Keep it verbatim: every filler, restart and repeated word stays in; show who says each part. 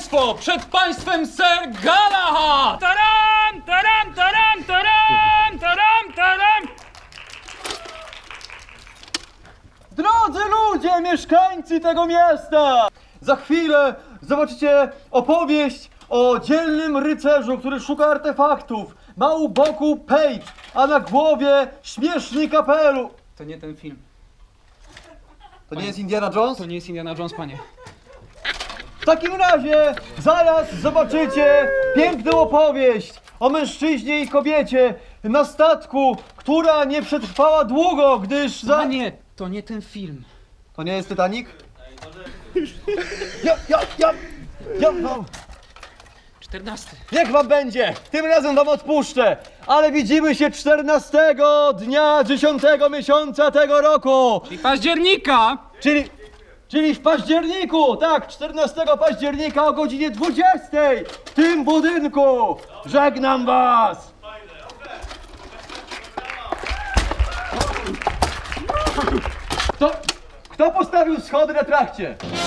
Speaker 1: państwo, przed państwem Sir Galahad!
Speaker 2: Taram, taram, taram, taram, taram, taram.
Speaker 3: Drodzy ludzie, mieszkańcy tego miasta! Za chwilę zobaczycie opowieść o dzielnym rycerzu, który szuka artefaktów. Ma u boku Page, a na głowie śmieszny kapelusz.
Speaker 1: To nie ten film.
Speaker 3: To nie jest Indiana Jones?
Speaker 1: To nie jest Indiana Jones, panie.
Speaker 3: W takim razie zaraz zobaczycie piękną opowieść o mężczyźnie i kobiecie na statku, która nie przetrwała długo, gdyż za...
Speaker 1: Panie, to nie ten film.
Speaker 3: To nie jest Titanic? Ja, ja, ja, ja wam...
Speaker 1: czternasty.
Speaker 3: Niech wam będzie! Tym razem wam odpuszczę! Ale widzimy się czternastego dnia dziesiątego miesiąca tego roku!
Speaker 1: I października!
Speaker 3: Czyli... Czyli w październiku! Tak, czternastego października o godzinie dwudziestej w tym budynku! Żegnam was! Kto, kto postawił schody na trakcie?